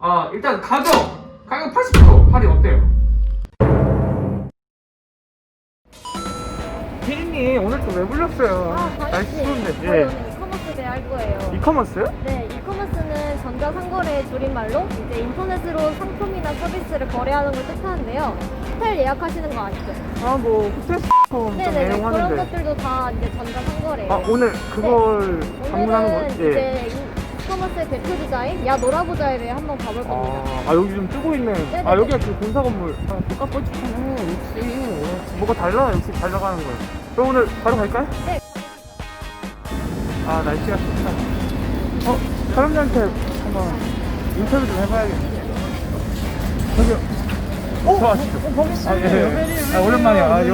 일단 가격 80% 할인 어때요? 피디님 오늘 또 왜 불렀어요? 날씨 추운데. 저희 오늘 이커머스 대회 할 거예요. 이커머스요? 네, 이커머스는 전자상거래의 줄임말로 이제 인터넷으로 상품이나 서비스를 거래하는 걸 뜻하는데요. 호텔 예약하시는 거 아시죠? 뭐 호텔 좀 네네네, 그런 애용하는데. 것들도 다 이제 전자상거래예요. 오늘 그걸 방문하는 오늘은 거예요? 예. 이제 이커머스의 대표 디자인 야 놀아보자에 한번 가볼 겁니다. 여기 좀 뜨고 있네. 네네네. 여기가 그 본사 건물. 똑같겠지만 역시 뭐가 달라. 역시 잘 나가는 거야. 그럼 오늘 바로 갈까요? 네. 날씨가 좋다. 사람들한테 한번 인터뷰 좀 해봐야겠네. 저기요. 저 아시죠? 예. 오랜만이야.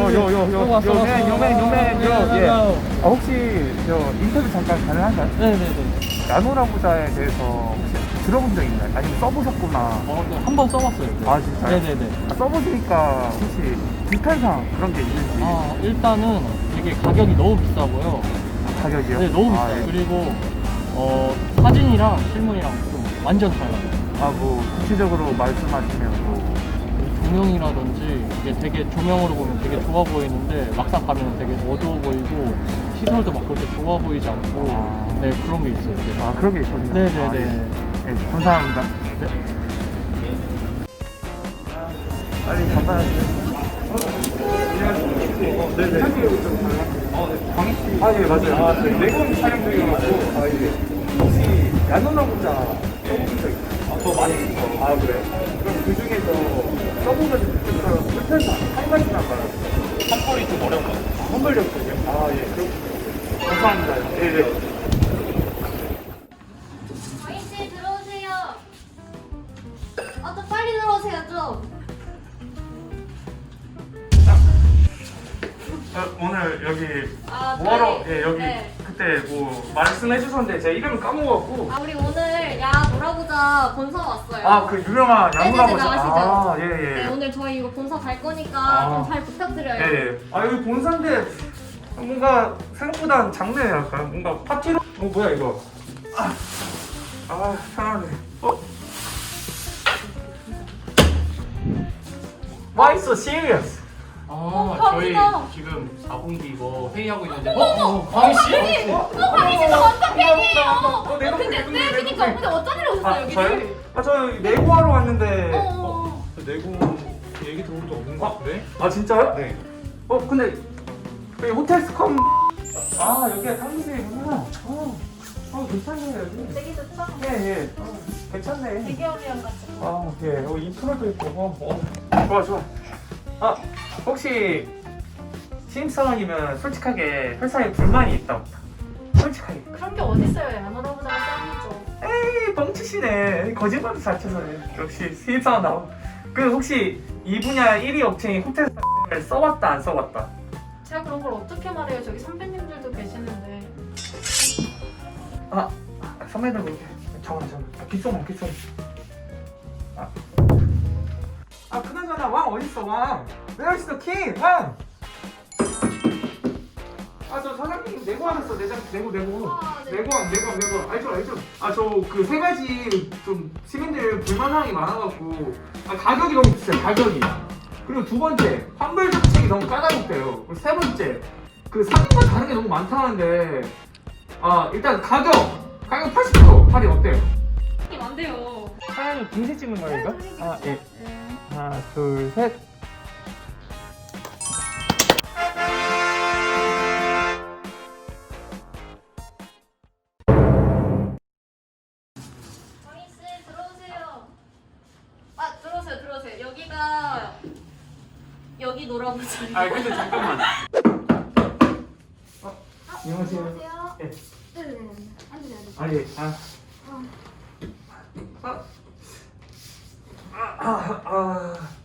요맨. 혹시 저 인터뷰 잠깐 가능한가요? 네네네. 야노라보자에 대해서 혹시 들어본 적 있나요? 아니면 써보셨구나. 네, 한 번 써봤어요. 네. 진짜요? 네네네. 써보시니까 혹시 불편상 그런 게 있는지. 일단은 되게 가격이 너무 비싸고요. 가격이요? 네, 너무 비싸요. 예. 그리고 사진이랑 실물이랑 좀 완전 달라요. 뭐 구체적으로 말씀하시면 뭐 조명이라든지 이게 되게 조명으로 보면 되게 좋아 보이는데 막상 가면 되게 어두워 보이고 시설도 막 그렇게 좋아 보이지 않고 네, 그런 게 있어요. 네. 그런 게 있거든요. 네네네. 네, 감사합니다. 네. 빨리 감사합니다. 네네. 광희씨. 예, 맞아요. 내공 촬영 중이어가지고. 혹시 야노나보자 써보신 적 있나요? 저 많이 했어. 그래요? 그럼 그 중에서 써보면서 느꼈던 불편사 한 가지만 말해주세요. 텀블이 좀 어려운 것 같아요. 험벌력이요? 예, 그럼 감사합니다. 네. 광희씨 들어오세요. 좀 빨리 들어오세요 좀. 오늘 여기 저희- 뭐하러 여기 네. 그때 뭐 말씀해 주셨는데 제가 이름을 까먹어갖고 우리 오늘 야 놀아보자 본사 왔어요. 그 유명한 네네네, 야무라보자. 아시죠? 예. 네, 오늘 저희 이거 본사 갈 거니까 좀 잘 부탁드려요. 예. 여기 본사인데 뭔가 생각보다 작네요. 약간 뭔가 파티로 뭐야 이거. 편하네. Why so serious? 저희 감사합니다. 지금 4분기 이거 회의하고 있는데. 광희씨? 광희 씨 저 완전 팬이에요. 내가 근데 그니까 근데 어떤 일로 오셨어요 여기를? 저요? 저 내고하러 왔는데. 내고 얘기 들어본 적 없는 것 같은데? 진짜요? 네. 근데 여기 호텔 스컴. 여기가 사무실이구나. 괜찮네 여기. 되게 좋죠? 예. 괜찮네. 대기업이랑 같이. 예. 여기 인프라도 있고. 좋아. 혹시 신입사원이면 솔직하게 회사에 불만이 있다 없다? 솔직하게. 그런 게 어딨어요? 야 놀아보자가 짱이죠. 에이 뻥치시네. 거짓말도 잘 쳐서. 역시 신입사원 나오. 그 혹시 이 분야 1위 업체인 호텔 을 써봤다 안 써봤다? 제가 그런 걸 어떻게 말해요? 저기 선배님들도 계시는데. 선배들 볼게. 잠깐만. 귓소문. 그나저나 왕 어딨어 왕? Where is the king? 왕! 저 사장님 내고 하셨어. 내고. 네. 내고. 알죠. 저 그 세 가지 좀 시민들 불만사항이 많아갖고 가격이 너무 비싸요. 가격이. 그리고 두 번째 환불 정책이 너무 까다롭대요. 그리고 세 번째 그 상품과 다른 게 너무 많다는데 일단 가격 80% 할인 어때요? 이게 안 돼요. 사장님 공세 찍는 거예요 이거? 예. 네. 하나 둘 셋. 광희 씨 들어오세요. 들어오세요. 여기 놀아보자. 근데 잠깐만. 안녕하세요. 안녕하세요. 예. 네네네. 앉으세요. 예.